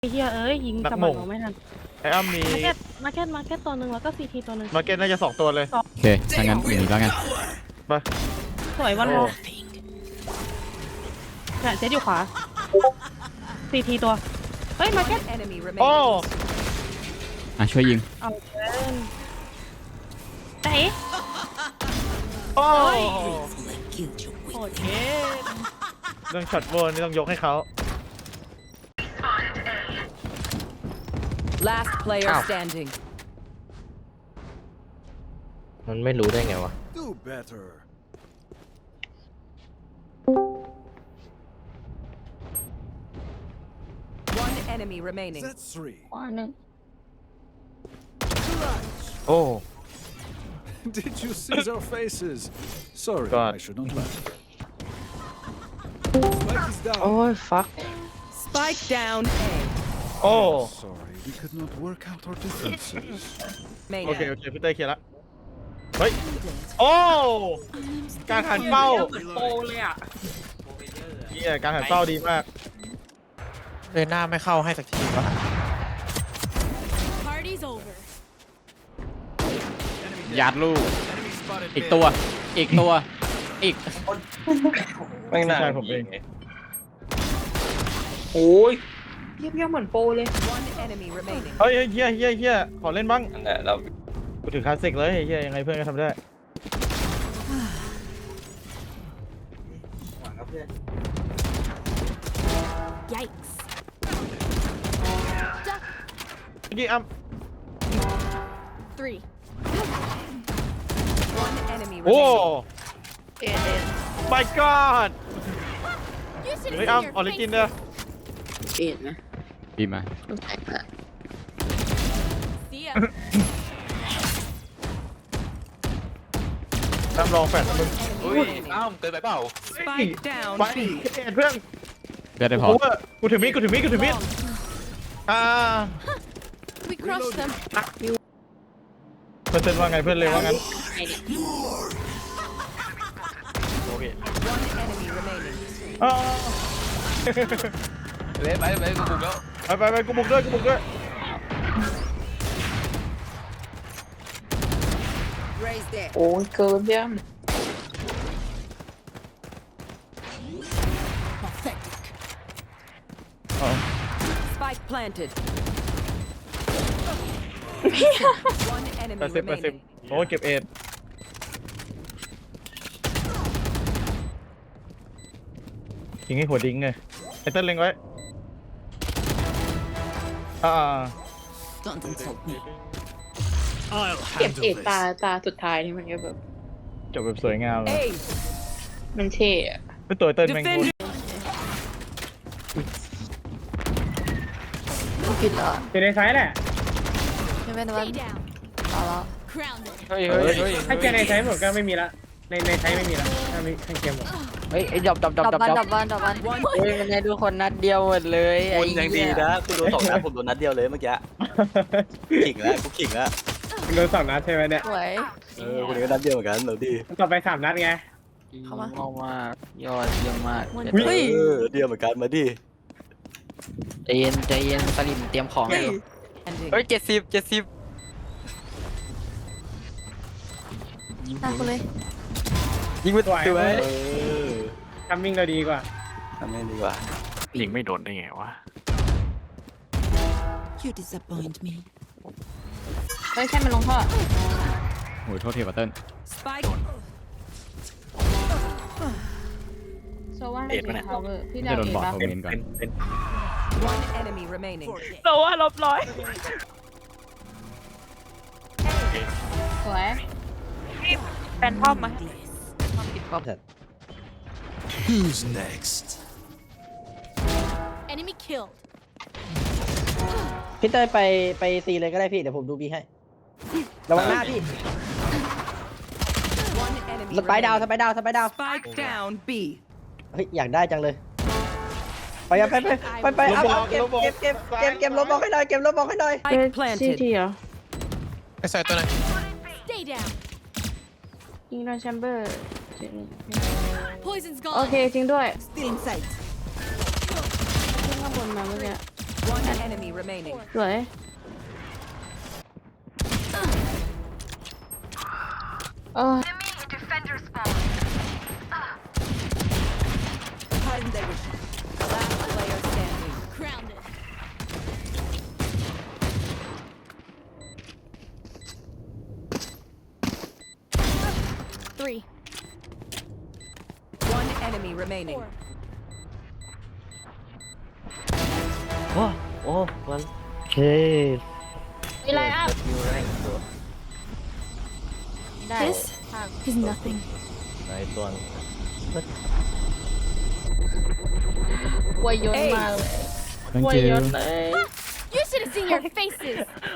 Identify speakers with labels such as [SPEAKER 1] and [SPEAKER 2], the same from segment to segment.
[SPEAKER 1] ไอ้เฮียเอ้ยยิง
[SPEAKER 2] นัก
[SPEAKER 1] ส
[SPEAKER 2] หม่
[SPEAKER 1] มั
[SPEAKER 2] ง
[SPEAKER 1] ครไม่ทัน
[SPEAKER 2] ไอ้อ้ำมี
[SPEAKER 1] มาร์เก็ตตัวหนึ่งแล้วก็ซีทีตัวหนึ่ง
[SPEAKER 2] มาร์เก็ตน่าจะ2ตัวเลย
[SPEAKER 3] โอเคถ้างั้นอย่างนี้แล้วกัน
[SPEAKER 2] ไป
[SPEAKER 1] สวยวันโลเนี่ยเจ๊อยู่ขวาซีทีตัวเฮ้ยมาร์เก็ต
[SPEAKER 4] Enemy
[SPEAKER 2] โอ้
[SPEAKER 4] remaining.
[SPEAKER 3] ช่วยยิง
[SPEAKER 1] เอาเกินไหน
[SPEAKER 2] โอ้
[SPEAKER 1] โอเค
[SPEAKER 2] เรื่องช็อตโบนนี่ต้องยกให้เขา
[SPEAKER 4] Last player standing.
[SPEAKER 5] มันไม่รู้ได้ไงวะ
[SPEAKER 6] Do better.
[SPEAKER 4] One enemy remaining.
[SPEAKER 6] That's three.
[SPEAKER 1] ขวาหนึ่ง
[SPEAKER 2] โอ้
[SPEAKER 6] Did you see their faces? Sorry,
[SPEAKER 2] God.
[SPEAKER 6] I should not laugh. Spike is down.
[SPEAKER 5] โอ้ยฟัก
[SPEAKER 4] Spike down A.
[SPEAKER 2] โอ้
[SPEAKER 6] Sorry, we could not work out our differences.
[SPEAKER 4] Main
[SPEAKER 2] โอเค
[SPEAKER 4] end.
[SPEAKER 2] โอเคพี่เต้เคลียร์ละเฮ้ยโอ้การหันเป้า
[SPEAKER 7] โปเลยอ่ะ
[SPEAKER 2] เฮียการหันเป้าดีมาก
[SPEAKER 5] เลยหน้าไม่เข้าให้สักทีวะ
[SPEAKER 8] Party's over.
[SPEAKER 3] ยัดลูก อีกตัว อีกตัว อีก
[SPEAKER 5] ไม่น่า
[SPEAKER 2] ใช่ผมเอง
[SPEAKER 7] โอ้ย
[SPEAKER 1] เยี่ยมเหมือนโปเลย
[SPEAKER 4] One enemy remaining.
[SPEAKER 2] เฮ้ยเฮียขอเล่นบ้าง
[SPEAKER 5] นั่นแหละเรา
[SPEAKER 2] กูถึงคลาสสิกเลยเฮียยังไงเพื่อนก็ทำได้
[SPEAKER 8] Yikes.
[SPEAKER 2] เมื่อกี้อ้ำ
[SPEAKER 8] Three.
[SPEAKER 4] One enemy
[SPEAKER 2] โอ้
[SPEAKER 4] remaining.
[SPEAKER 2] my god
[SPEAKER 8] You should
[SPEAKER 2] เฮ้ย
[SPEAKER 8] see
[SPEAKER 2] อ้ำ
[SPEAKER 8] your
[SPEAKER 2] ออริจินเด้อ
[SPEAKER 3] ดีมา
[SPEAKER 8] See ya.
[SPEAKER 2] อ้ำลองแฟนมึง
[SPEAKER 5] อุ้ยอ้าวเกินไปเปล่า
[SPEAKER 4] Spike down
[SPEAKER 2] ไป
[SPEAKER 4] B.
[SPEAKER 2] เพื่อน
[SPEAKER 3] เลือดได้พอ
[SPEAKER 2] กูถือมีดอ่า
[SPEAKER 8] We crushed them.
[SPEAKER 2] เพื่อนว่าไงเพื่อนเลยว่างั้นโอเค
[SPEAKER 4] One enemy remaining.
[SPEAKER 2] อ่า
[SPEAKER 5] เล่นไปกูบุกแล้ว
[SPEAKER 2] ไปกูบุกด้วย
[SPEAKER 4] Raise there.
[SPEAKER 1] โอ้ยเกินเยี่ยม
[SPEAKER 4] Spike planted. One enemy
[SPEAKER 2] 80
[SPEAKER 4] remaining.
[SPEAKER 2] โอ้เก็บเอ็ดยิงให้หัวดิ้งไงไอ้เต้นเล็งไว้
[SPEAKER 1] เก็บเอกตาสุดท้ายนี่มันก็แบบ
[SPEAKER 2] จบแบบสวยงามเลย
[SPEAKER 4] A.
[SPEAKER 1] มันเท่อะ
[SPEAKER 2] ไม่ตัวเต้นแม่ง
[SPEAKER 4] Defend.
[SPEAKER 1] ผิดเหรอ
[SPEAKER 7] อยู่ในซ้ายแหละ
[SPEAKER 1] ไม่เป็นไร
[SPEAKER 8] Stay down.
[SPEAKER 1] เอาแล้ว
[SPEAKER 8] Crowned it.
[SPEAKER 5] เฮ้ย
[SPEAKER 7] ถ้าเจอในซ้ายหมดก็ไม่มีละในซ้ายไม่มีละถ้ามีทั้งเกมหมด
[SPEAKER 5] เฮ้ยดับ
[SPEAKER 1] ดอกวัน
[SPEAKER 4] One
[SPEAKER 5] เฮ้ยมันให้ทุกคนนัดเดียวหมดเลยไอ้
[SPEAKER 9] คุณยังดีนะคุณโดน2 นัดผมโดนนัดเดียวเลยเมื่อกี้ขิงแล้วกูขิงแล้ว
[SPEAKER 7] โดน2 นัดใช่ไหมเนี่ย
[SPEAKER 1] สวย
[SPEAKER 9] คุณก็นัดเดียวเหมือนกันเดี๋ยวดี
[SPEAKER 7] ต่อไป3 นัดไง
[SPEAKER 5] เข้ามากยอดเยี่ยมมาก
[SPEAKER 9] เดียวเหมือนกันมาดิ
[SPEAKER 5] ใจเย็นสลิมเตรียมของเลย
[SPEAKER 4] ending.
[SPEAKER 5] เฮ้ย70
[SPEAKER 1] ตาคุณเลย
[SPEAKER 5] ยิงไป
[SPEAKER 7] สวย
[SPEAKER 5] สวย
[SPEAKER 7] ทัมมิ่งเราดีกว่า
[SPEAKER 9] ทำให้ดีกว่า
[SPEAKER 10] ยิงไม่โดนได้ไงวะ
[SPEAKER 8] You disappoint me.
[SPEAKER 1] เฮ้ยใช่มันลงท่อ
[SPEAKER 3] โอ้ยโทษทีบัตเติ้ล
[SPEAKER 4] Spike.
[SPEAKER 1] โซว่าให้เสีย power พี่
[SPEAKER 3] ไม่
[SPEAKER 1] ดาว
[SPEAKER 3] จะโดน
[SPEAKER 1] เห็น
[SPEAKER 3] บอด
[SPEAKER 1] ปะ
[SPEAKER 3] โทเมนก่อน
[SPEAKER 4] One enemy remaining.
[SPEAKER 1] โซว่าลบร้อยสวยแฟนทอมมา
[SPEAKER 6] Who's next?
[SPEAKER 8] Enemy killed.
[SPEAKER 5] พี่เต้ยไปซีเลยก็ได้พี่เดี๋ยวผมดูบีให้ระวังหน้าพี่
[SPEAKER 4] One enemy
[SPEAKER 5] สไปดาว
[SPEAKER 4] remaining. Spike down B.
[SPEAKER 5] เฮ้ยอยากได้จังเลยไปเอาเก็บลบบอกให้หน่อยเก็บลบบอกให้หน่อย
[SPEAKER 4] Spike
[SPEAKER 1] ซี
[SPEAKER 4] planted.
[SPEAKER 1] ทีเหรอ
[SPEAKER 5] ไอ้ใส่ตัวไหน
[SPEAKER 8] Stay down.
[SPEAKER 1] ยิงโดนแชมเบอร์
[SPEAKER 8] Poison's
[SPEAKER 1] โอ
[SPEAKER 8] gone.
[SPEAKER 1] เคจริงด้วย
[SPEAKER 8] Still in sight.
[SPEAKER 1] ขึ้นข้างบนมาเมื่อกี้
[SPEAKER 4] One enemy remaining.
[SPEAKER 1] สวยเออ
[SPEAKER 4] Last player standing.
[SPEAKER 8] Grounded. Three.
[SPEAKER 4] One enemy remaining.
[SPEAKER 8] Four.
[SPEAKER 9] โอ้โอ้มัน
[SPEAKER 5] เฮ้ย
[SPEAKER 1] มีไรอัพ
[SPEAKER 9] อยู่แรงตัว
[SPEAKER 1] ได้
[SPEAKER 8] This is nothing.
[SPEAKER 9] ในตัว
[SPEAKER 1] วายยนมากเลย
[SPEAKER 3] thank
[SPEAKER 1] วาย
[SPEAKER 3] you
[SPEAKER 1] ยนเลย
[SPEAKER 8] You should have seen your faces.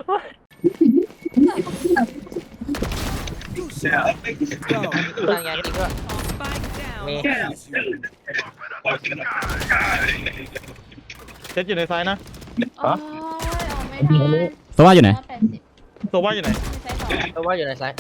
[SPEAKER 9] ตั้งยาจริงด้วย
[SPEAKER 4] Spike down.
[SPEAKER 9] มี
[SPEAKER 2] เจ็ดอยู่ในซ้ายนะ
[SPEAKER 1] โอ้ยออกไม่ได้
[SPEAKER 3] โซว่าอยู่ไหน
[SPEAKER 2] โซว่าอยู่ไหน
[SPEAKER 1] ไม่ใช่สอง
[SPEAKER 9] เพราะว่าอยู่ในซ้าย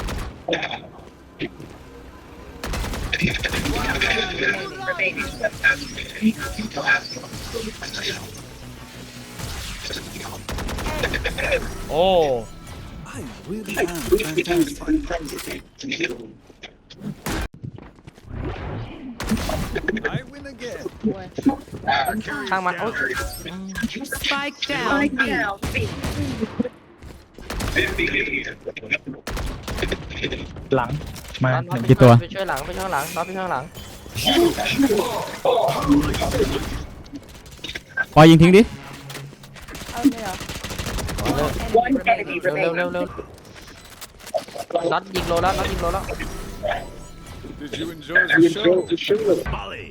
[SPEAKER 2] โอ้
[SPEAKER 6] I really am fantastic. I win again.
[SPEAKER 9] ช่างมันโอ้ย
[SPEAKER 4] Spike down. B.
[SPEAKER 2] หลังมา
[SPEAKER 3] กี่ตัว
[SPEAKER 9] ไปช่วยหลังไปช่วยหลังน็อตไปช่วยหลัง
[SPEAKER 3] ปอยยิงทิ้งดิ
[SPEAKER 1] เอาเลยเหรอ
[SPEAKER 4] Enemy remaining.
[SPEAKER 9] เร็วเร็วเร็วน็อตยิงโลแล้วน็อตยิงโลแล้ว
[SPEAKER 6] Did you enjoy the show? Molly.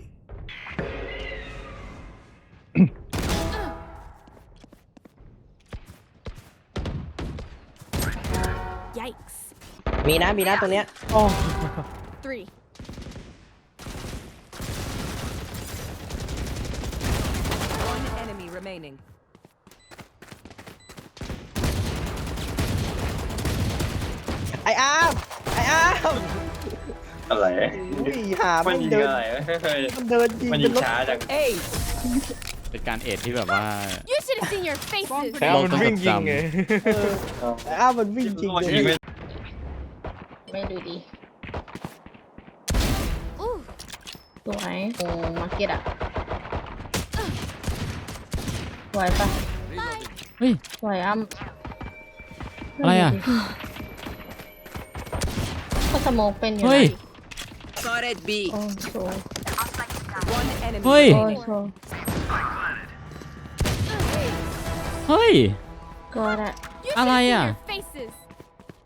[SPEAKER 8] Yikes.
[SPEAKER 5] มีนะตรงเนี้ย
[SPEAKER 8] Three.
[SPEAKER 4] One enemy remaining.
[SPEAKER 5] ไอ้อาร์มอะไรอุ้ยหามันเดินมันเดินยิงเป็นรถ
[SPEAKER 4] Eight.
[SPEAKER 3] เป็นการเอทที่แบบว่า
[SPEAKER 8] You should have seen your faces.
[SPEAKER 2] แค่มันวิ่งยิงไง
[SPEAKER 5] ไอ้อาร์มมันวิ่งจริงเลย
[SPEAKER 1] ไม่ดูดี
[SPEAKER 8] Ooh.
[SPEAKER 1] สวยโอ้มาร์เก็ตอะสวยปะ
[SPEAKER 3] เฮ้ย
[SPEAKER 1] สวยอ้ำ
[SPEAKER 3] อะไรอ่ะ
[SPEAKER 1] ก็สโมกเป็นอยู่
[SPEAKER 3] เฮ้ย
[SPEAKER 4] Spotted B.
[SPEAKER 1] โอ้โชว์
[SPEAKER 4] One enemy.
[SPEAKER 3] เฮ้ย
[SPEAKER 1] โอ้
[SPEAKER 4] remaining.
[SPEAKER 1] โชว์
[SPEAKER 3] เฮ้ย
[SPEAKER 1] ก็ได้
[SPEAKER 8] You should
[SPEAKER 3] อะไร
[SPEAKER 8] have seen
[SPEAKER 3] อ่ะ
[SPEAKER 8] your faces.